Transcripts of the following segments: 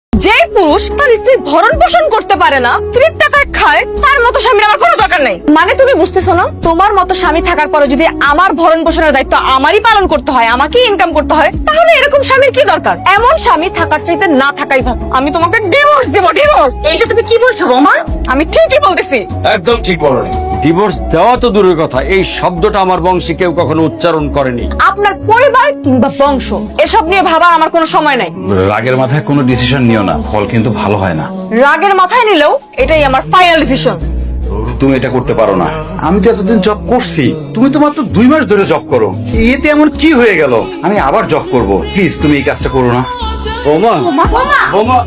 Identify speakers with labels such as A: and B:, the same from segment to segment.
A: যে পুরুষ তার স্ত্রীর ভরণ পোষণ করতে পারে না, স্ত্রীর টাকায় খায়, তার মতো স্বামীর আমার কোনো দরকার নেই। মানে তুমি বুঝতেছো না? তোমার মতো স্বামী থাকার পরে যদি আমার ভরণ পোষণের দায়িত্ব আমারই পালন করতে হয়, আমাকেই ইনকাম করতে হয়, তাহলে এরকম স্বামীর কি দরকার? এমন স্বামী থাকার চাইতে না থাকাই ভালো। আমি তোমাকে ডিভোর্স দেব, ডিভোর্স। এইটা তুমি কি বলছো রোমা? আমি ঠিকই বলতেছি।
B: একদম ঠিক বলনি। ডিভোর্স দেওয়া তো দূরের কথা, এই শব্দটা আমার বংশে কেউ কখনো উচ্চারণ করেনি।
A: আপনার পরিবার কিংবা বংশ এসব নিয়ে ভাবার আমার কোনো সময় নাই।
C: রাগের মাথায় কোনো ডিসিশন নিও না, ফল কিন্তু ভালো হয় না।
A: রাগের মাথায় নিলেও এটাই আমার ফাইনাল ডিসিশন।
C: তুমি এটা করতে পারো না। আমি তো এতদিন জব করছি, তুমি তো মাত্র 2 মাস ধরে জব করো। এতে এমন কি হয়ে গেল? আমি আবার জব করব, প্লিজ তুমি এই কাজটা করো না।
B: বৌমা, বৌমা,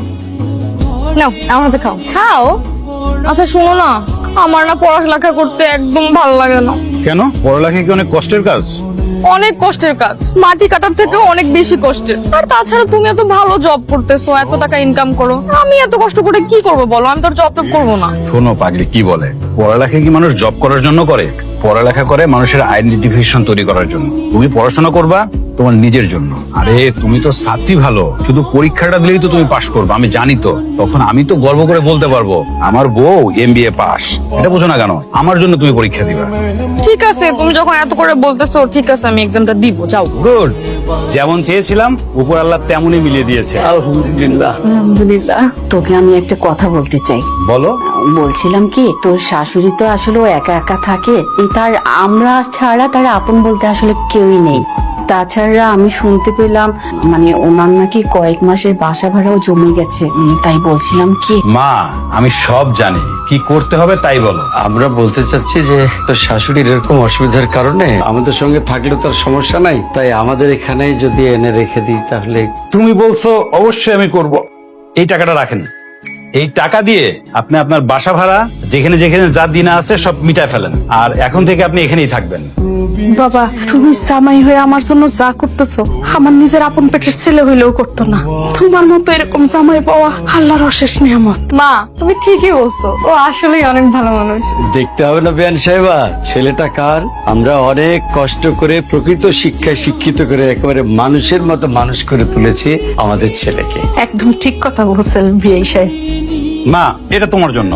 A: নাও আমার হাতে খাও খাও। আচ্ছা শোনো না, আমার না পড়ালেখা করতে একদম ভালো লাগে না।
C: কেন? পড়ালেখা কি অনেক কষ্টের কাজ?
A: অনেক কষ্টের কাজ, মাটি কাটার থেকে অনেক বেশি কষ্টের। আর তাছাড়া তুমি এত ভালো জব করতেছো, এত টাকা ইনকাম করো, আমি এত কষ্ট করে কি করবো বলো? আমি তো জব টব করবো না।
C: শোনো পাগলি, কি বলে, পড়ালেখা কি মানুষ জব করার জন্য করে? পড়ালেখা করে মানুষের আইডেন্টিফিকেশন তৈরি করার জন্য। তুমি পড়াশোনা করবা তোমার নিজের জন্য। আরে তুমি তো ছাত্রী ভালো, শুধু পরীক্ষাটা দিলেই তো তুমি পাশ করবে, আমি জানি তো। তখন আমি তো গর্ব করে বলতে পারবো আমার বউ MBA পাস। এটা বোঝো না কেন? আমার জন্য তুমি পরীক্ষা দিবা।
A: ঠিক আছে, তুমি যখন এত করে বলতেছো, ঠিক আছে আমি এক্সামটা দিব, যাও।
C: গুড, যেমন চেয়েছিলাম উপর আল্লাহ তেমনই মিলিয়ে দিয়েছে।
B: আলহামদুলিল্লাহ।
D: আলহামদুলিল্লাহ। তোকে আমি একটা কথা বলতে চাই।
C: বলো।
D: বলছিলাম কি, তোর শাশুড়ি তো আসলে ও একা একা থাকে, তার আমরা ছাড়া তার আপন বলতে আসলে কেউই নেই। তাছাড়া আমি শুনতে পেলাম মানে ওনার নাকি কয়েক মাসের বাসা ভাড়াও জমে গেছে। তাই বলছিলাম কি,
C: মা আমি সব জানি, কি করতে হবে তাই বলো।
B: আমরা বলতে চাচ্ছি যে তোর শাশুড়ির এরকম অসুবিধার কারণে আমাদের সঙ্গে থাকলে তার সমস্যা নাই, তাই আমাদের এখানেই যদি এনে রেখে দিই তাহলে।
C: তুমি বলছো, অবশ্যই আমি করব। এই টাকাটা রাখেন, এই টাকা দিয়ে আপনি আপনার বাসা ভাড়া যেখানে যেখানে যা দিনা আছে সব মিটায় ফেলেন, আর এখন থেকে আপনি এখানেই থাকবেন।
E: বাবা, তুমি জামাই হয়ে আমার জন্য যা করতেছো, আমার নিজের আপন পেটের ছেলে হইলেও করতো না। তোমার মতো এরকম জামাই পাওয়া আল্লাহর অশেষ নিয়ামত।
A: মা তুমি ঠিকই বলছো, ও আসলেই অনেক ভালো মানুষ।
B: দেখতে হবে না বেয়ান সাহেবা, ছেলেটা কার? আমরা অনেক কষ্ট করে প্রকৃত শিক্ষায় শিক্ষিত করে একেবারে মানুষের মতো মানুষ করে তুলেছি আমাদের ছেলেকে।
E: একদম ঠিক কথা বলছেন বিয়ে সাহেব।
C: মা এটা তোমার জন্য,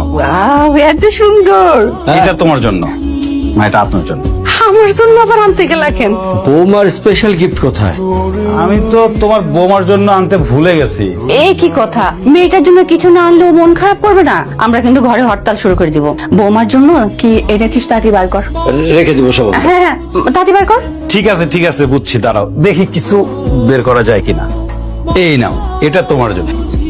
E: এত সুন্দর।
C: এটা তোমার জন্য, মা এটা আপনার জন্য।
E: আমার জন্য আবার আনতে গেলা কেন?
B: বৌমার স্পেশাল গিফট কোথায়?
C: আমি তো তোমার বৌমার জন্য আনতে ভুলে গেছি।
D: এই কি কথা? মেয়েটার জন্য কিছু না আনলেও মন খারাপ করবে না? আমরা কিন্তু ঘরে হরতাল শুরু করে দিব। বৌমার জন্য কি এনেছিস তাড়াতাড়ি বার কর।
B: রেখে দিব সব।
D: হ্যাঁ হ্যাঁ, তাড়াতাড়ি বার কর।
C: ঠিক আছে ঠিক আছে, বুঝছি, দাঁড়াও দেখি কিছু বের করা যায় কিনা। এই নাও, এটা তোমার জন্য।